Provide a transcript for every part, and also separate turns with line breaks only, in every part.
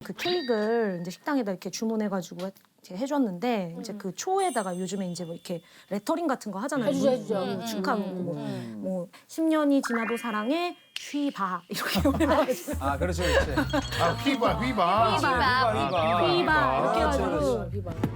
그 케이크를 이제 식당에다 이렇게 주문해가지고 이렇게 해줬는데 이제 그 초에다가 요즘에 이제 뭐 이렇게 레터링 같은 거 하잖아요.
해주죠.
축하 뭐 10년이 지나도 사랑해 휘바 이렇게 올려가지고
아, 그렇지, 그렇지.
아, 휘바.
휘바 이렇게 해가지고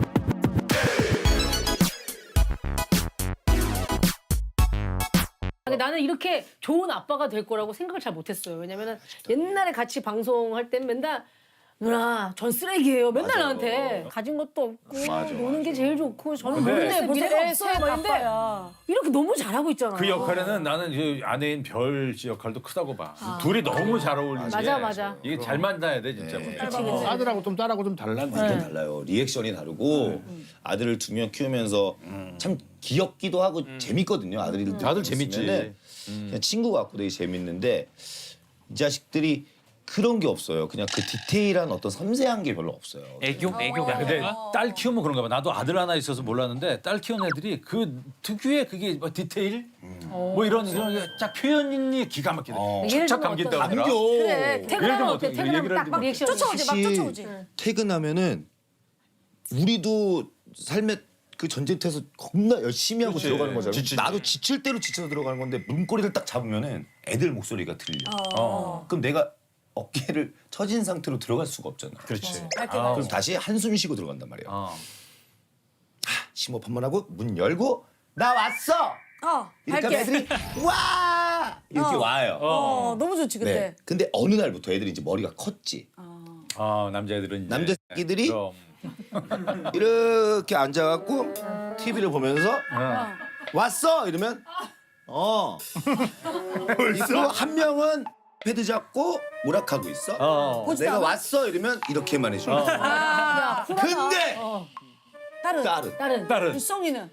근데 나는 이렇게 좋은 아빠가 될 거라고 생각을 잘 못했어요. 왜냐면은 옛날에 같이 방송할 땐 맨날 누나 전 쓰레기예요. 맨날 나한테 가진 것도 없고 노는 게 제일 좋고 저는 모르는데 미래가 없어요. 막 이런데 이렇게 너무 잘하고 있잖아.
그 역할에는 나는 이 아내인 별 역할도 크다고 봐. 둘이 너무 잘 어울리는 게.
맞아.
이게 잘 만나야 돼 진짜.
아들하고 좀 딸하고 좀 달라.
완전 달라요. 리액션이 다르고 아들을 두 명 키우면서 참 귀엽기도 하고 재밌거든요. 아들
재밌지.
있으면은 그냥 친구 같고 되게 재밌는데 이 자식들이 그런 게 없어요. 그냥 그 디테일한 어떤 섬세한 게 별로 없어요.
애교가. 근데 딸 키우면 그런가 봐. 나도 아들 하나 있어서 몰랐는데 딸 키우는 애들이 그 특유의 그게 뭐 디테일, 뭐 이런 쫙 표현이 기가 막히다.
예를
착착
들면
감긴다고
어떤-
그러나?
그래 퇴근하면 어때?
어떻게
퇴근하면
얘기를
딱 리액션
쫓아오지 막 쫓아오지.
퇴근하면은 우리도 삶의 그 전쟁터에서 겁나 열심히 하고
그렇지.
들어가는 거잖아요.
지치지.
나도 지칠 대로 지쳐서 들어가는 건데 문고리를 딱 잡으면은 애들 목소리가 들려. 그럼 내가 어깨를 처진 상태로 들어갈 수가 없잖아.
그렇지.
그럼 다시 한숨 쉬고 들어간단 말이야. 심호흡 한 번 하고 문 열고 나 왔어. 이렇게 하면 애들이 와 이렇게 와요.
너무 좋지 그때.
네. 근데 어느 날부터 애들이 이제 머리가 컸지.
남자애들은 이제.
남자 새끼들이
그럼.
이렇게 앉아갖고 TV를 보면서 왔어 이러면 있고 한 명은 패드 잡고 오락하고 있어. 내가 왔어 이러면 이렇게만 해줘. 근데 딸은
다른
일성이는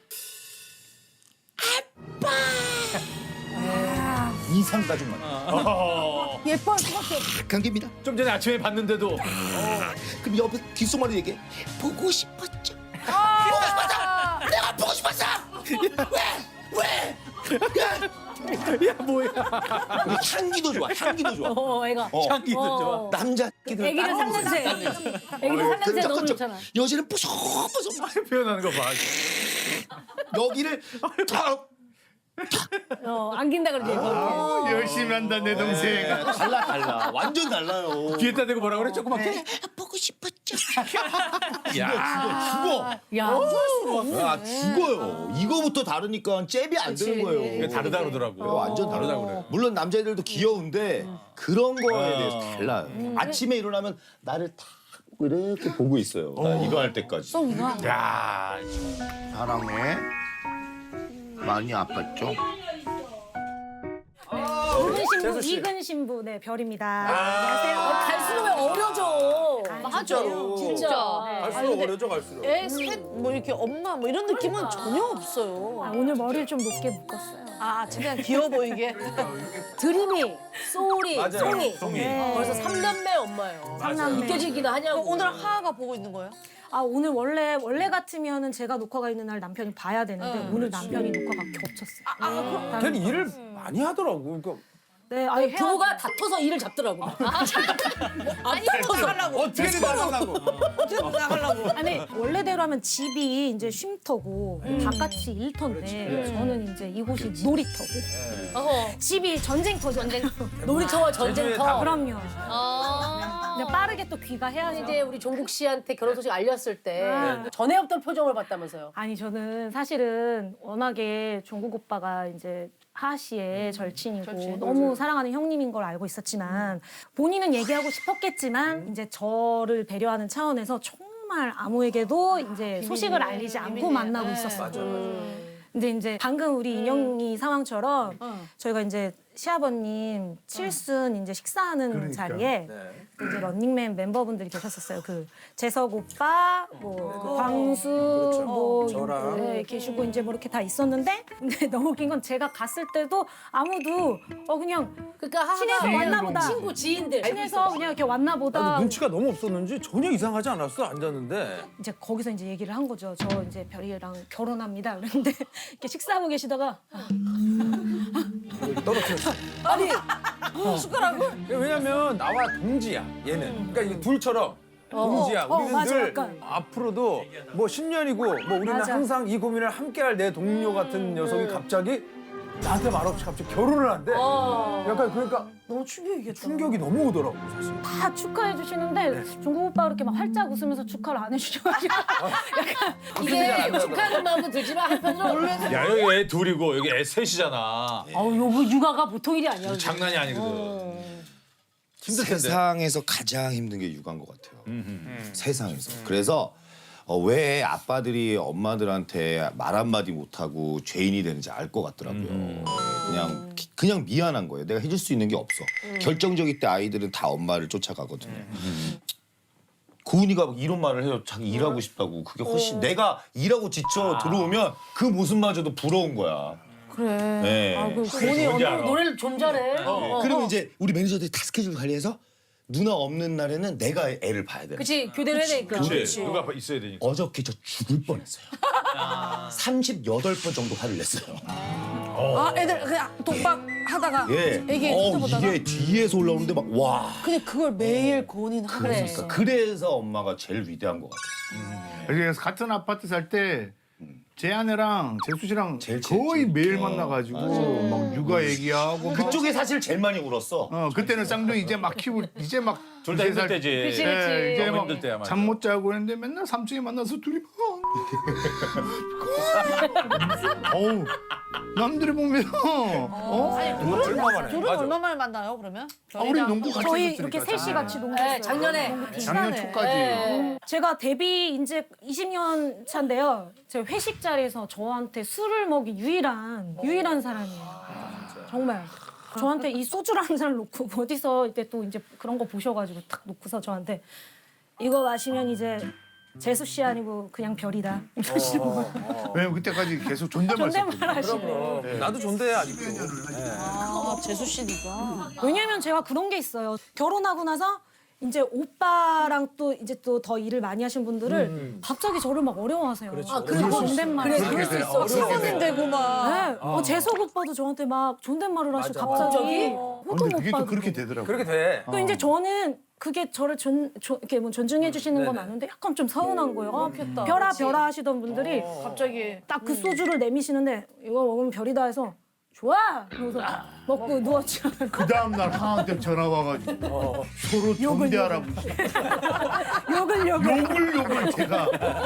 이상 가족만
예뻐할 수밖에 없어.
착한 겁니다.
좀 전에 아침에 봤는데도
그럼 옆에 귓속말로 얘기해. 보고 싶었죠. 보고 싶었어. 내가 보고 싶었어. 왜?
야 뭐야?
향기도 좋아. 향기도 좋아.
애가
향기도 좋아.
남자 새끼들
애기를 상냄새 애기를 상냄새 너무 좋잖아.
여자는 뽀송뽀송
표현하는 거 봐.
여기를 탁
안긴다 그러지.
열심히 한다, 내 동생.
달라. 완전 달라요.
뒤에다 대고 뭐라 그래? 조그맣게?
보고 싶었죠.
야.
죽어.
야,
죽어요. 이거부터 다르니까 잽이 안 되는 거예요.
이게 다르다 그러더라고.
완전 다르다 그래. 물론 남자애들도 귀여운데 그런 거에 대해서 달라요. 아침에 일어나면 나를 탁 이렇게 보고 있어요. 나 이거 할 때까지.
야.
사랑해. 많이 아팠죠?
이근 신부 네 별입니다. 안녕하세요.
갈수록 왜 어려져?
진짜로.
진짜.
갈수록 어려져 갈수록.
애셋뭐 이렇게 엄마 뭐 이런 느낌은 전혀 없어요.
오늘 머리를 좀 높게 묶었어요.
최대한 귀여워 보이게.
드림이, 소울이, 송이.
네.
벌써 3남매 엄마예요.
삼남매.
느껴지기도 하냐고.
오늘 하하가 보고 있는 거예요?
오늘 원래 같으면은 제가 녹화가 있는 날 남편이 봐야 되는데 오늘 남편이 녹화가 겹쳤어요.
걔는 일을 많이 하더라고. 그러니까
네,
부부가 다퉈서 일을 잡더라고.
아니 나가려고.
어떻게든 나가려고.
어떻게든 나가려고.
아니 원래대로 하면 집이 이제 쉼터고 바깥이 일터인데 저는 이제 이곳이 놀이터고 집이 전쟁터잖아요.
놀이터와 전쟁터.
그럼요. 그냥 빠르게 또 귀가해야죠.
이제 우리 종국 씨한테 결혼 소식 알렸을 때 전에 없던 표정을 봤다면서요.
아니 저는 사실은 워낙에 종국 오빠가 이제 하하 씨의 절친이고 너무 사랑하는 형님인 걸 알고 있었지만 본인은 얘기하고 싶었겠지만 이제 저를 배려하는 차원에서 정말 아무에게도 이제 소식을 알리지 않고 만나고 있었어요. 근데 이제 방금 우리 인영이 상황처럼 저희가 이제 시아버님 칠순 이제 식사하는 자리에 이제 런닝맨 멤버분들이 계셨었어요. 그 재석 오빠, 뭐 광수, 뭐
저랑.
네, 계시고 이제 뭐 이렇게 다 있었는데 근데 너무 웃긴 건 제가 갔을 때도 아무도 그냥
그러니까
친해서
하하
왔나 보다.
친구 지인들.
친해서 그냥 이렇게 왔나 보다.
눈치가 너무 없었는지 전혀 이상하지 않았어 앉았는데.
이제 거기서 이제 얘기를 한 거죠. 저 이제 별이랑 결혼합니다. 그랬는데 이렇게 식사하고 계시다가
떨어뜨렸어.
아니 숟가락을?
왜냐면 나와 동지야 얘는. 그러니까 이게 둘처럼 동지야. 우리는
맞아,
늘
약간.
앞으로도 뭐 10년이고 뭐 우리는
맞아.
항상 이 고민을 함께할 내 동료 같은 녀석이 갑자기 나한테 말없이 갑자기 결혼을 한대. 약간 그러니까
너무 충격이겠다.
충격이 너무 오더라고 사실.
다 축하해 주시는데 종국 오빠 이렇게 막 활짝 웃으면서 축하를 안 해주셔가지고 약간
이게 축하하는 마음도 들지만 한편으로
야 여기 애 둘이고 여기 애 셋이잖아.
아우 요거 육아가 보통 일이 아니야.
장난이 아니거든. 힘들 텐데.
세상에서 가장 힘든 게 육아인 것 같아요. 세상에서. 그래서 왜 아빠들이 엄마들한테 말 한마디 못하고 죄인이 되는지 알 것 같더라고요. 그냥 미안한 거예요. 내가 해줄 수 있는 게 없어. 결정적일 때 아이들은 다 엄마를 쫓아가거든요. 고은이가 이런 말을 해요. 자기 일하고 싶다고. 그게 훨씬 내가 일하고 지쳐 들어오면 그 모습마저도 부러운 거야.
그래.
네.
아, 그
본이
뭔지 알아.
노래를 좀 잘해.
그러면 이제 우리 매니저들이 다 스케줄 관리해서 누나 없는 날에는 내가 애를 봐야 돼.
그치 교대를 해야 되니까.
그렇지. 누가 있어야 되니까.
어저께 저 죽을 뻔했어요. 38번 정도 화를 냈어요.
아, 애들 그냥 독박 하다가
예.
애기 보다가
이게 뒤에서 올라오는데 막 와.
근데 그걸 매일 고은이는 하고
그래.
있었어.
그래서 엄마가 제일 위대한 것 같아요.
그래서 같은 아파트 살 때 제 아내랑 재수 씨랑
제일
거의
친했지.
매일 만나가지고 막 육아 얘기하고 막
그쪽에 사실 제일 많이 울었어.
그때는 쌍둥이 이제 막 키우고 이제 막
둘 다 힘들 때지.
그치,
예,
그치.
이제
너무
막
힘들 때야, 맞아.
잠 못 자고 했는데 맨날 삼촌이 만나서 둘이 어우 남들이 보면
둘은 얼마 만에 만나요, 그러면?
우리 농구 같이
저희
했으니까.
이렇게 셋이 같이 농구했어요.
네, 작년에.
작년 초까지
제가 데뷔 이제 20년 차인데요. 제가 회식 자리에서 저한테 술을 먹인 유일한 사람이에요. 정말. 저한테 이 소주를 한 잔을 놓고 어디서 이때 또 이제 그런 거 보셔가지고 탁 놓고서 저한테 이거 마시면 이제 재수 씨 아니고 그냥 별이다 이러시는 거예요.
왜냐면 그때까지 계속 존댓말 썼거든.
존댓말 하시네.
나도 존대해 아직도.
아, 재수 씨 니가.
왜냐면 제가 그런 게 있어요. 결혼하고 나서 이제 오빠랑 또 이제 또 더 일을 많이 하신 분들을 갑자기 저를 막 어려워하세요.
아 그리고
존댓말.
그래 그럴 수 있어.
사모님 되고 막.
네. 재석 오빠도 저한테 막 존댓말을 하시고 갑자기 호동
근데 그게 또
오빠도
그렇게 되더라고.
그렇게 돼.
또 이제 저는 그게 저를 이렇게 뭐 존중해 주시는 건 많은데 약간 좀 서운한 거예요. 별아 하시던 분들이
갑자기.
딱 그 소주를 내미시는데 이거 먹으면 별이다 해서 좋아! 그래서 먹고 누웠죠.
그 다음 날 하한테 전화 와가지고 서로 존대하라고 욕을 제가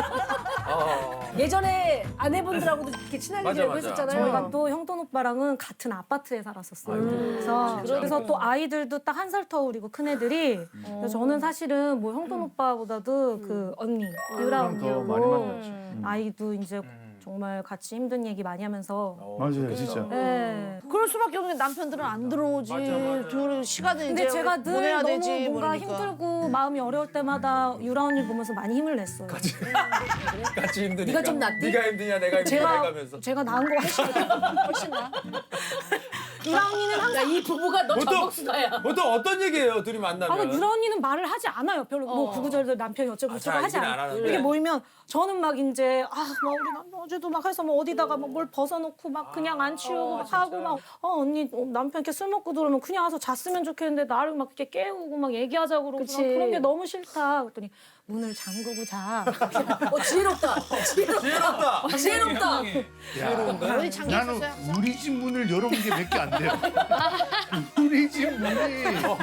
예전에 아내분들하고도 이렇게 친하게
맞아,
지내고
맞아.
했었잖아요.
저희가 또 형돈 오빠랑은 같은 아파트에 살았었어요. 그래서 또 아이들도 딱 한 살 터울이고 큰 애들이. 그래서 저는 사실은 뭐 형돈 오빠보다도 그 언니 유라
더 많이
언니하고
만났지.
아이도 이제 정말 같이 힘든 얘기 많이 하면서.
맞아요 진짜.
네.
그럴 수밖에 없는 게 남편들은 안 들어오지. 둘 시간을
근데
이제
제가 늘
보내야
너무
되지.
뭔가
모르니까.
힘들고 마음이 어려울 때마다 유라 언니 보면서 많이 힘을 냈어요.
같이 힘드니까.
네가 좀 낫디?
네가 힘드냐 내가 힘드냐 해가면서.
제가 나은 거 훨씬 나. 유라 언니는 항상
이 부부가 너
보통-
전복수다야.
보통 어떤 얘기예요 둘이 만나면?
유라 언니는 말을 하지 않아요. 별로 뭐 구구절절 남편이 어쩌고 저쩌고 하지
얘기는 안
않아요.
하는데.
이게 모이면 저는 막 이제 막 우리 남편 어제도 막 해서 뭐 어디다가 막 뭘 벗어놓고 막 그냥 안 치우고 막 하고 막 언니 남편 이렇게 술 먹고 들어오면 그냥 와서 잤으면 좋겠는데 나를 막 이렇게 깨우고 막 얘기하자고 그러고
그치.
막 그런 게 너무 싫다. 그랬더니 문을 잠그고 자.
지혜롭다.
지혜롭다.
지혜롭다.
어디 잠겨
나는
있었어요?
우리 집 문을 열어본 게 몇 개 안 돼요. 우리 집 문이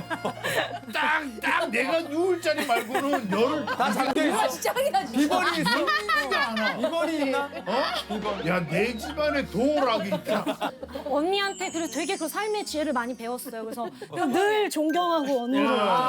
딱 내가 누울 자리 말고는 열을
다 잠겨 있어.
짱이다 진짜.
비번이 있어?
않아.
비번이 있나?
야 내 집안에 도어락이 있다.
언니한테 그리고 되게 그 삶의 지혜를 많이 배웠어요. 그래서 늘 존경하고 언니를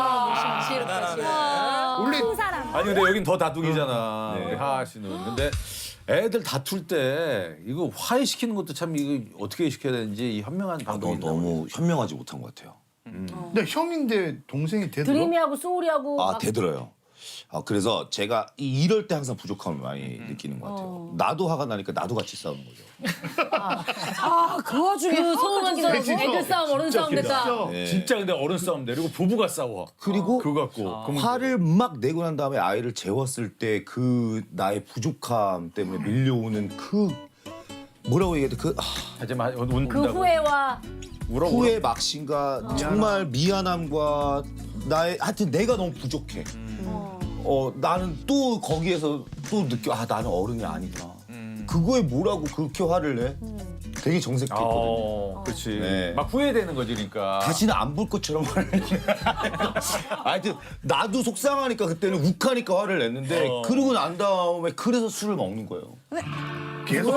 원래
큰 사람.
아니 근데 여긴 더 다둥이잖아. 우리 하하 씨는. 근데 애들 다툴 때 이거 화해시키는 것도 참 이거 어떻게 시켜야 되는지 이 현명한 방법이 있나
너무 현명하지 못한 것 같아요.
근데 형인데 동생이 되더라.
드림이하고 소울이하고
아
막
되들어요. 그래서 제가 이럴 때 항상 부족함을 많이 느끼는 것 같아요. 나도 화가 나니까 나도 같이 싸우는 거죠.
그 와중에
그 소음한 싸움,
진짜
애들 싸움, 어른 싸움 됐다.
진짜.
네.
진짜 근데 어른 싸움 내리고 부부가 싸워.
그리고
그거 갖고. 그럼
화를 막 내고 난 다음에 아이를 재웠을 때 그 나의 부족함 때문에 밀려오는 그 뭐라고 얘기해야 돼? 그
하지만 운다고.
그 후회와
울어.
후회 막심과 정말 미안함과 나의 하여튼 내가 너무 부족해. 나는 또 거기에서 또 느껴 나는 어른이 아니구나. 그거에 뭐라고 그렇게 화를 내? 되게 정색했거든요.
그렇지.
네.
막 후회되는 거지, 그러니까.
다시는 안 볼 것처럼 화를 내. 하여튼 나도 속상하니까 그때는 욱하니까 화를 냈는데 그러고 난 다음에 그래서 술을 먹는 거예요.
계속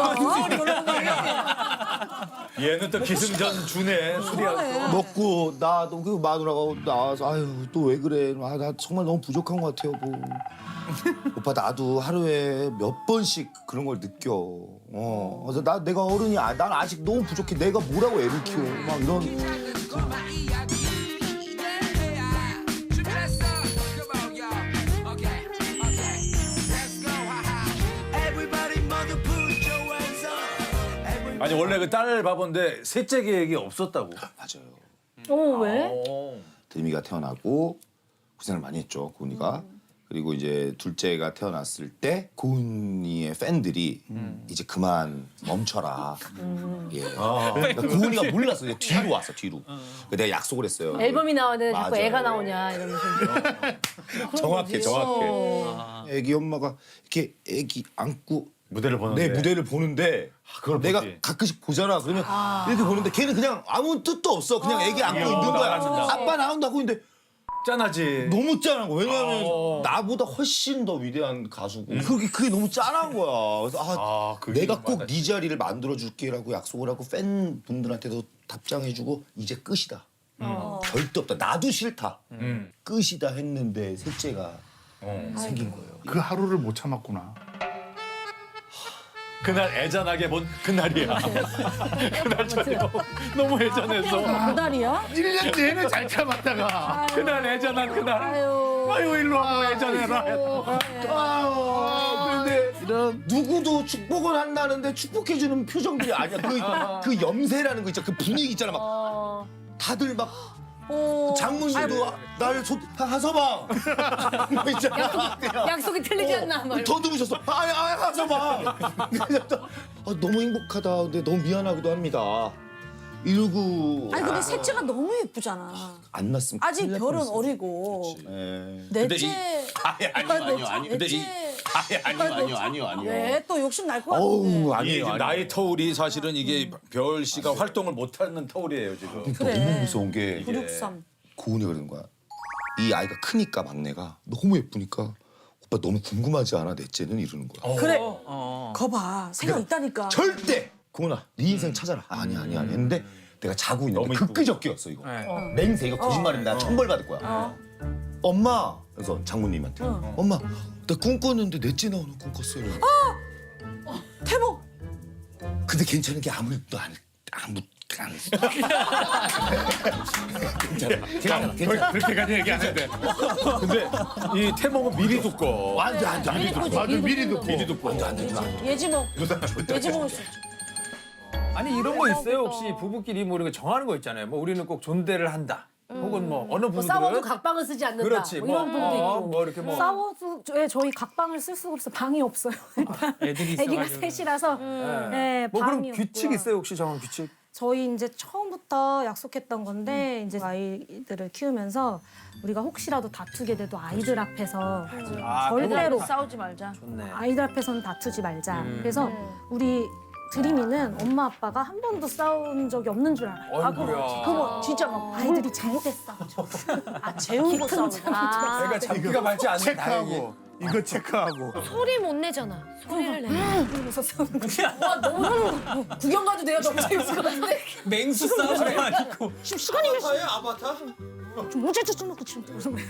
얘는 또 기승전 주네, 술이야.
먹고 나도 그 마누라가 나와서 아유 또 왜 그래? 나 정말 너무 부족한 것 같아요. 뭐. 오빠 나도 하루에 몇 번씩 그런 걸 느껴. 그래서 내가 어른이 난 아직 너무 부족해. 내가 뭐라고 애를 키워? 막 이런.
아니, 원래 그 딸 바본데 셋째 계획이 없었다고.
맞아요.
왜?
드림이가 태어나고 고생을 많이 했죠. 고은이가. 그리고 이제 둘째가 태어났을 때 고은이의 팬들이 이제 그만 멈춰라. 예. 그러니까 고은이가 몰랐어. 이제 뒤로 왔어. 뒤로. 내가 약속을 했어요.
앨범이 나왔는데 자꾸
맞아요.
애가 나오냐 이러면서.
정확해. 애기 엄마가 이렇게 애기 안고
무대를 보는데.
내 무대를 보는데
그걸
내가
보지.
가끔씩 보잖아. 그러면 이렇게 보는데 걔는 그냥 아무 뜻도 없어. 그냥 애기 안고 있는 거야.
나간다.
아빠 나온다고 했는데
짠하지.
너무 짠한 거야. 왜냐하면 나보다 훨씬 더 위대한 가수고 그게 너무 짠한 거야. 그래서
그게
내가 꼭
맞아.
네 자리를 만들어줄게라고 약속을 하고 팬분들한테도 답장해주고 이제 끝이다. 절대 없다. 나도 싫다. 끝이다 했는데 셋째가 생긴 거예요.
그 하루를 못 참았구나.
그날 애잔하게 본 그날이야. 그날 저녁 너무 애잔해서.
달이야?
1년 내내 잘 참았다가
그날 애잔한 그날. 아유 일로 와봐 애잔해라.
그런데 누구도 축복을 한다는데 축복해주는 표정들이 아니야. 그 염세라는 거 있잖아. 그 분위기 있잖아. 막 다들 막 장모님도 나를 하서방 뭐 있잖아.
약속이 틀리지 않나 말.
더 들으셨어. 하서방. 너무 행복하다. 근데 너무 미안하기도 합니다. 이러고
아니 근데 셋째가 너무 예쁘잖아.
안 났으면
아직
큰일 날
별은
뻔했어.
어리고.
예.
넷째.
아니요.
왜 또 욕심 날 것 같은데.
어우
이게
아니에요.
지금 나의 터울이 사실은 이게 별 씨가 활동을 못하는 터울이에요 지금.
너무 무서운 게
963.
고은이가 그러는 거야. 이 아이가 크니까 막내가 너무 예쁘니까 오빠 너무 궁금하지 않아 넷째는 이러는 거야.
그래. 거봐. 생각 있다니까.
절대 고은아 네 인생 찾아라. 아니 했는데 내가 자고 있는데
너무 이쁘고.
그끄적기였어 이거. 맹세 이거 거짓말인데 나 천벌 받을 거야. 엄마 그래서 장모님한테 엄마 나 꿈 꿨는데 넷째 나오는 꿈 꿨어요.
태복.
근데 괜찮은 게 아무것도 안 했어. 괜찮아.
그렇게까지 얘기 안 해도 돼. 근데 이 태몽은 미리 듣고.
완전 안 돼.
맞아 미리 듣고.
미리 듣고.
예지몽. 예지몽일 수 있죠.
아니 이런 거 있어요? 혹시 부부끼리 뭐 이런 거 정하는 거 있잖아요. 뭐 우리는 꼭 존대를 한다. 혹은 뭐 어느
뭐 싸워도
부부들은
각방을 쓰지 않는다.
그렇지.
뭐 이런 분도 있고.
뭐 이렇게 뭐
싸워도 저희 각방을 쓸 수가 없어. 방이 없어요.
애들이
애기가
있어가지고.
셋이라서 네,
뭐 그런
방이
규칙
없고요.
있어요? 혹시 정한 규칙?
저희 이제 처음부터 약속했던 건데 이제 아이들을 키우면서 우리가 혹시라도 다투게 돼도 아이들 앞에서 절대로
싸우지 말자.
좋네.
아이들 앞에서는 다투지 말자. 그래서 우리 드림이는 엄마 아빠가 한 번도 싸운 적이 없는 줄 알아요.
어이구야.
그거 진짜 막
아이들이 잘 때 싸우죠.
재운 거 싸우는 거.
내가 잡기가 많지 않는 다행히.
체크하고 이거 체크하고.
소리 못 내잖아. 소리를 내.
그래서 싸우는 거죠.
구경 가도 내가 너무 재밌을 것 같은데.
맹수 싸움이 아니고.
지금 시간이 몇 시야?
아바타?
좀 어제도 좀 놓고 지금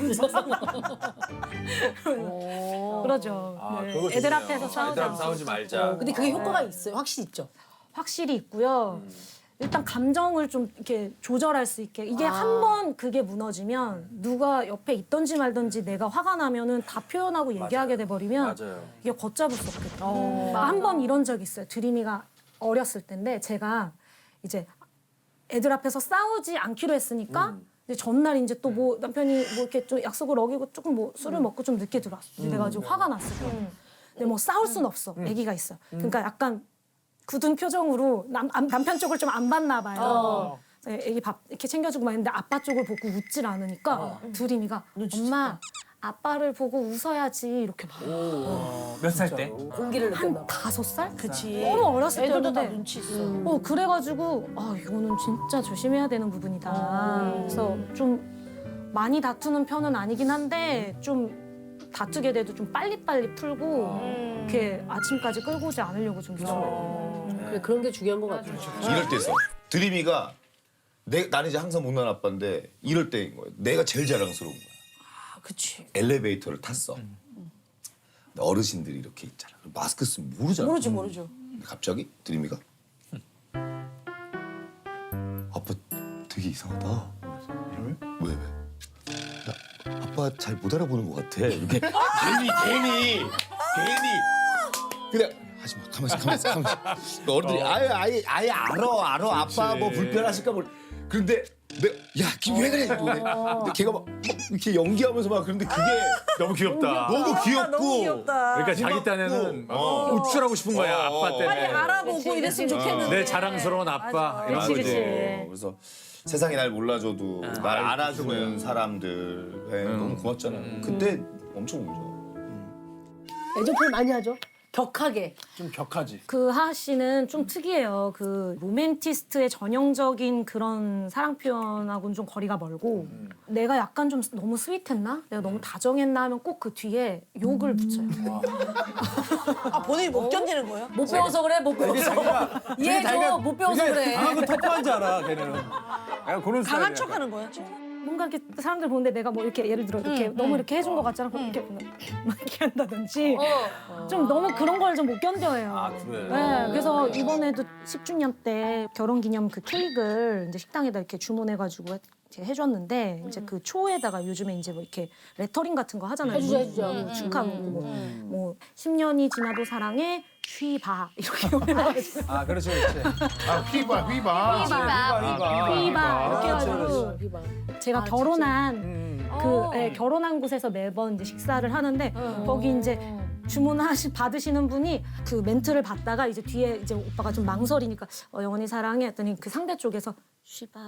그러죠. 네.
그거
애들
좋네요.
앞에서 싸우지
애들 앞
않고.
싸우지 말자.
근데 그게 효과가 있어요. 확실히 있죠.
확실히 있고요. 일단 감정을 좀 이렇게 조절할 수 있게 이게 한 번 그게 무너지면 누가 옆에 있던지 말던지 내가 화가 나면은 다 표현하고 얘기하게 돼 버리면
맞아요.
이게 걷잡을 수 없겠다. 한 번 이런 적 있어요. 드림이가 어렸을 때인데 제가 이제 애들 앞에서 싸우지 않기로 했으니까 이제 전날 이제 또 뭐 남편이 뭐 이렇게 좀 약속을 어기고 조금 뭐 술을 먹고 좀 늦게 들어왔어. 그래가지고 화가 났어요. 근데 뭐 싸울 순 없어. 아기가 있어. 그러니까 약간 굳은 표정으로 남편 쪽을 좀 안 봤나 봐요. 그래서 애기 밥 이렇게 챙겨주고 막 했는데 아빠 쪽을 보고 웃질 않으니까 드림이가 엄마 아빠를 보고 웃어야지 이렇게 막.
몇 살 때?
공기를 느꼈나 봐.
5살?
그치.
너무 어렸을
애들도 다
때였는데.
눈치 있어.
그래가지고 이거는 진짜 조심해야 되는 부분이다. 그래서 좀 많이 다투는 편은 아니긴 한데 좀 다투게 돼도 좀 빨리빨리 풀고 이렇게 아침까지 끌고 오지 않으려고 좀 노력해요.
그래, 그런 게 중요한 것 같아요.
이럴 때 있어. 드림이가 나는 이제 항상 못난 아빠인데 이럴 때인 거야. 내가 제일 자랑스러운 거야.
그치.
엘리베이터를 탔어. 근데 어르신들이 이렇게 있잖아. 마스크 쓰면 모르잖아.
모르죠.
근데 갑자기 드림이가 아빠 되게 이상하다. 왜? 야, 아빠 잘 못 알아보는 것 같아. 이렇게 괜히 그냥 하지 마. 가만히 있어. 어른들이 아예 알아. 아빠 뭐 불편하실까 뭘. 그런데 야, 왜 그래? 근데 걔가 막 이렇게 연기하면서 막 그런데 그게
너무 귀엽다.
너무 귀엽고.
너무 귀엽다.
그러니까 자기 딴에는 우쭐하고 싶은 거야 아빠 때문에.
빨리 알아보고 이랬으면 좋겠는데.
내 자랑스러운 아빠 이런
그치,
거지.
그치.
그래서 세상이 날 몰라줘도 날 알아주는 사람들 너무 고맙잖아요. 그때 엄청 울죠.
애정 표현 많이 하죠. 격하게.
좀 격하지.
그 하하 씨는 좀 특이해요. 그 로맨티스트의 전형적인 그런 사랑 표현하고는 좀 거리가 멀고 내가 약간 좀 너무 스윗했나? 내가 너무 다정했나 하면 꼭 그 뒤에 욕을 붙여요.
본인이 못 견디는 거예요?
못 배워서 그래, 못 배워서. 이해해줘, 못 배워서 그래.
강하고 터프한 줄 알아, 걔는. 약간 그런
강한
스타일이야.
척하는 거야?
뭔가 이렇게 사람들 보는데 내가 뭐 이렇게 예를 들어 이렇게 너무 이렇게 해준 것 같잖아. 그럼 이렇게 막 이렇게 한다든지 좀 너무 그런 걸 좀 못 견뎌요.
그래?
네, 그래서 이번에도 10주년 때 결혼 기념 그 케이크를 이제 식당에다 이렇게 주문해가지고 이렇게 해줬는데 이제 그 초에다가 요즘에 이제 뭐 이렇게 레터링 같은 거 하잖아요.
해주죠.
뭐 축하 뭐 10년이 지나도 사랑해 휘바 이렇게 올려가지고
그렇지.
휘바.
휘바 이렇게 해가지고 제가 결혼한 결혼한 곳에서 매번 이제 식사를 하는데 거기 이제 받으시는 분이 그 멘트를 받다가 이제 뒤에 이제 오빠가 좀 망설이니까 영원히 사랑해 했더니 그 상대 쪽에서 쉬바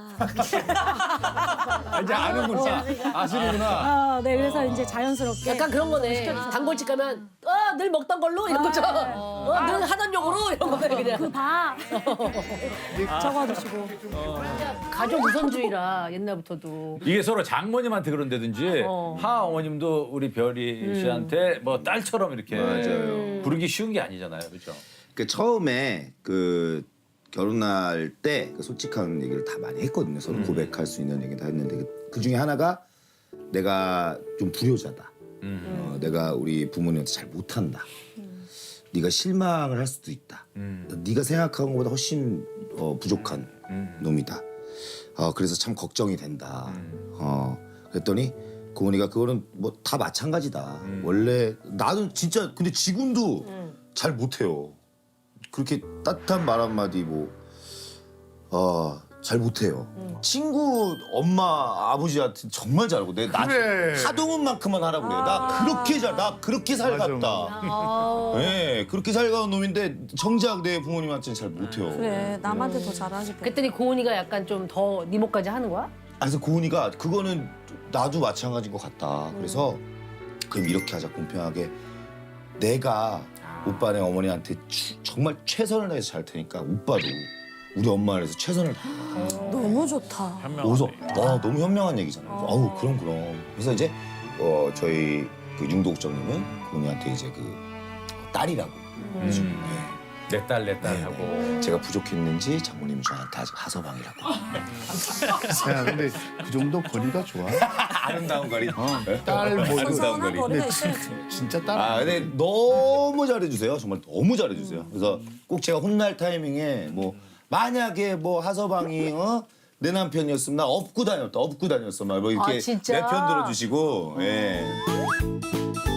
이제 아는구나. 아시는구나.
네 그래서 이제 자연스럽게
약간 그런 거네. 단골집 가면 늘 먹던 걸로 이런 거죠. 늘 하던 욕으로 이런 거네 그냥.
그봐 적어두시고
가족 우선주의라 옛날부터도.
이게 서로 장모님한테 그런다든지 하 어머님도 우리 별이 씨한테 뭐 딸처럼 이렇게
맞아요.
부르기 쉬운 게 아니잖아요, 그렇죠?
그 처음에 그 결혼할 때 그 솔직한 얘기를 다 많이 했거든요. 서로 고백할 수 있는 얘기 다 했는데 그 중에 하나가 내가 좀 불효자다. 내가 우리 부모님한테 잘 못한다. 네가 실망을 할 수도 있다. 네가 생각한 것보다 훨씬 부족한 놈이다. 그래서 참 걱정이 된다. 그랬더니 고은이가 그거는 뭐 다 마찬가지다. 원래 나는 진짜 근데 지금도 잘 못해요. 그렇게 따뜻한 말 한마디 잘 못해요. 친구 엄마 아버지한테 정말 잘하고 내
그래.
하동훈만큼만 하라고 그래. 나 그렇게 살갑다.
아.
네, 그렇게 살가운 놈인데 정작 내 부모님한테는 잘 못해요.
그래 남한테 더 잘하지.
그랬더니 고은이가 약간 좀 더 네 목까지 하는 거야?
그래서 고은이가 그거는 나도 마찬가지인 것 같다. 그래서 그럼 이렇게 하자 공평하게 내가 오빠네 어머니한테 정말 최선을 다해서 잘 테니까 오빠도 우리 엄마를 위해서 최선을 다해.
너무 좋다.
그래서 너무 현명한 얘기잖아요. 어우 그럼. 그래서 이제 저희 그 융도국장님은 고은이한테 이제 그 딸이라고. 그래서
내 딸 하고.
제가 부족했는지 장모님은 저한테 아직 하서방이라고.
야, 근데 그 정도 거리가 좋아.
아름다운 거리.
딸 뭐.
선선한 거리가 있어야지.
진짜 딸.
근데 너무 잘해주세요. 정말 너무 잘해주세요. 그래서 꼭 제가 혼날 타이밍에 뭐 만약에 뭐 하서방이 내 남편이었으면 나 업고 다녔어 막 뭐 이렇게
진짜?
내 편 들어주시고. 예.